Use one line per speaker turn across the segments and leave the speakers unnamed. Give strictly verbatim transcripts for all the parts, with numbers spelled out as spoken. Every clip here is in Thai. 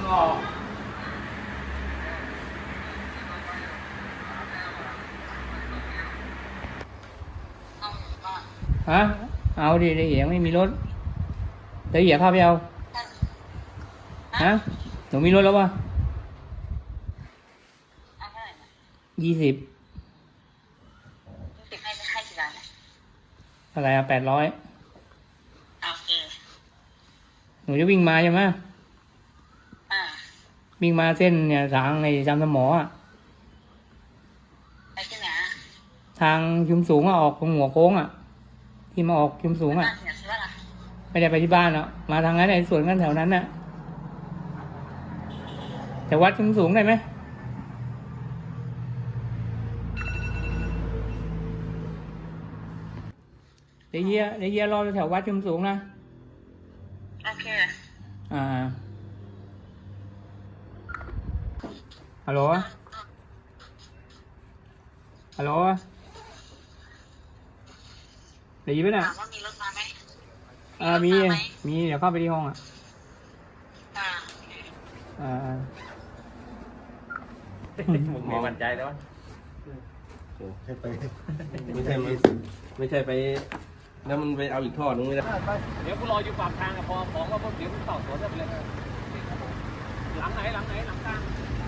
ฮะเอาดิเดี๋ยวไม่มีรถเดี๋ยวเดี๋ยวพาไปเอาฮะหนูมีรถแล้ววะยี่สิบให้ให้กี่บาทอะไรอะแปดร้อยโอเคหนูจะวิ่งมาใช่ไหมอ่าวิ่งมาเส้นเนี่ยทางในจำสมออะไปที่ไหนทางชุมสูงอะออกตรงหัวโค้งอะที่มาออกชุมสูงอะไม่ได้ไปที่บ้านหรอกมาทางนั้นไอ้สวนกันแถวนั้นน่ะแต่วัดชุมสูงได้ไหมเดี๋ยวเยี่ยเดี๋ยวเยี่ยรอแถววัดชุมสูงนะโอเคอ่าฮัลโหลฮัลโหลเดี๋ยวยี่ไปไหนถามว่ามีรถมาไหมอ่ามีมีเดี๋ยวเข้าไปที่ห้องอ่ะอ่าอ่า
มึงมีมั่นใจแล้ววะไม่ไปไม่ใช่ไม่ใช่ไปแล้วมันไปเอาอีกท่อนึงไม่ได้
เดี๋ยวกูรออยู่ปากทางอะพอของว่าพวกเดี๋ยวกูต่อสวนได้เลยหลังไหนหลังไหนหลังกลาง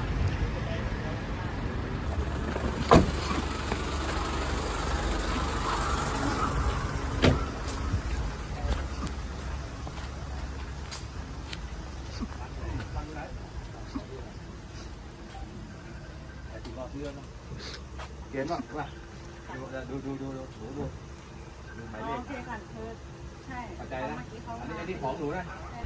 เขียนว่าว่าดูดูดูดูดูดูดูหมายเลข
โอเคค่ะเธอใช่
เข้าใจนะอันนี้ไอ้ที่ของหนูนะ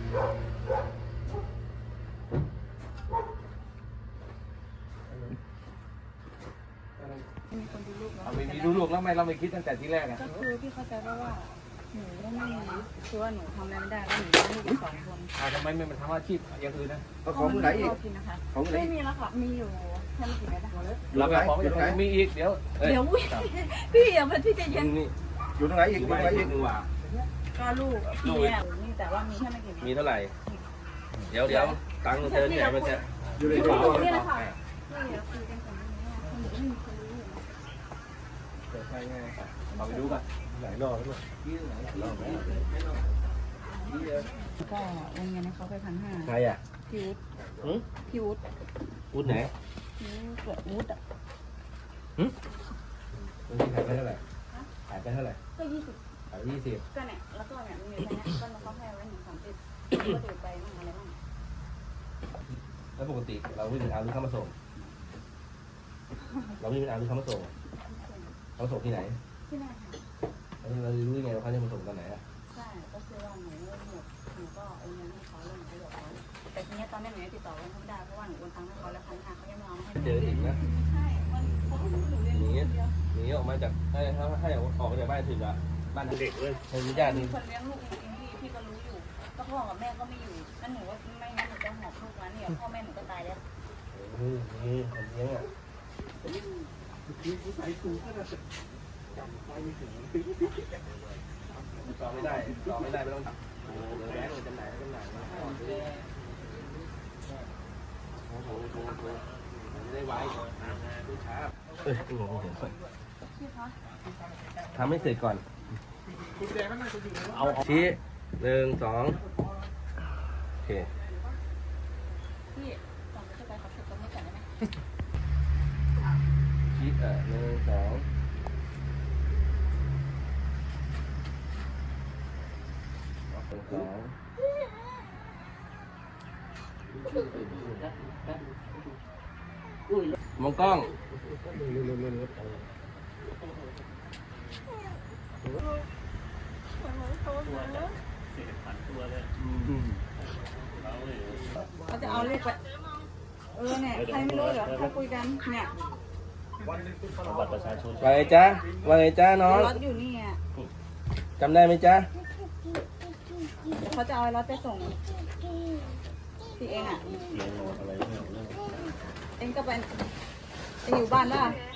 มีคนดูลูกเนาะ
เอามีดูลูกแล้วไม่เราไม่คิดตั้งแต่ที่แรกอ่ะ
ก็คือพี่เข้าใจว่าว่าหนูไม่มีคือว่าหนูทำอะไรไม่ได้แล้วหนูมีลูกอีกสองคน
อ่าทำไมไม่มาทำอาชีพอย่างอื่นนะ
ของไหนอีกของไหนไม่มีแล้วค่ะมีอยู่แค่ไม่กี่เมตรนะคะ
เราไปของอยู่ไหนมีอีกเดี๋ยว
เดี๋ยวพี่อย่าเพิ่งพี่ใจเย็น
อยู่ตรงไหนอีกอยู่ตรงไหนอีกว่า
ก็ลูกพี่เนี่ยนี่แต่ว่ามีแค่ไม่กี่เมตร
มีเท่าไหร่เดี๋ยวเดี๋ยวตังค์เธอที่ไหนมันจะ
อยู่ในกระเป๋านี่แหละค่ะนี่เดี๋ยวคุยกันก่อนนะคนหนูไม่มีคนรู้อยู่
เปิดไฟไงเราไปดูกันไหนรอแล้วมั้ยที่ไหนรอไหม
ก็โอนเงินให้เขาไปพันห้า
ใครอ่ะ
พี่วุฒิพี่วุฒิ
วุฒิไหน
พี่เกิดวุฒิอ่ะ
หืมวุฒิขายไปเท่าไหร่ขายไปเท่าไหร่
ก็ยี่สิบ
ขายยี่สิบ
ก็เนี่ยแล้วก็เนี่ยมีแค่นี้ก็เขาให้ไว้หนึ่งสามสิบก็ถือไปมั่งอะไรมั่ง
แล้วปกติเราไม่เป็นอาหรือเข้ามาส่งเราไม่เป็นอาหรือเข้ามาส่งเขาส่งที่ไหน
ที่ไหนค่ะ
แล้วเรารู้ยังไงว่าเขาจะมาส่งตอนไหนอ่ะ
ใช่ก็คือว่าหนูหมดหนูก็โอนเงินให้เขาแล้วหนูก็บอกเขาแต่ทีนี้ตอนนี้หนูยังติดต่อกันไม่ได้เพราะว่าหนูโอนตังค์ให้เขาแล้วพันห้าเขายังไม่เอาให้
เจออีกนะ
ใช่เขาก็หนูเรียนรู้คนเดียว
หนีออกมาจากให้ให้ออกมาจากบ้านถึงอะบ้านเด็กเลยให้ญาติ
คนเลี้ยงลูกจริงๆพี่พี่ก็รู้อยู่ก็พ่อกับแม่ก็ไม่อยู่นั่นหนูว่าไม่งั้นหนูจะหอบลูกมาเนี่ยพ่อแม่หนูก็ตายแล้ว
นี่นี่คนเลี้ยงอ่ะต่อไม่ได้ต่อไม่ได้ไม่ต้องเดี๋ยวแม่จำหน่ายจำหน่ายโอ้โหโอ้โหไม่ได้ไว้ดูช้าเอ้ยงงเห็นไหมทำให้เสร็จก่อนเอาชี้หนึ่งสองโอเค
พี่ตอนเข้าไปเขาเสร็จก็ไม่ก่อนได้ไหม
ชี้เออหนึ่งสองสองมองกล้อง
เขาจะเอาเลขไปเออเนี่ยใครไม่รู้เหรอเขาคุยกันเนี่ย
บัตรประชาชนว่าไงจ๊ะว่าไงจ๊ะน้อง
รถอยู่นี่อ่ะ
จำได้ไหมจ๊ะ
เขาจะเอารถไปส่งพี่เองอ่ะเองก็เป็นเองอยู่บ้านแล้ว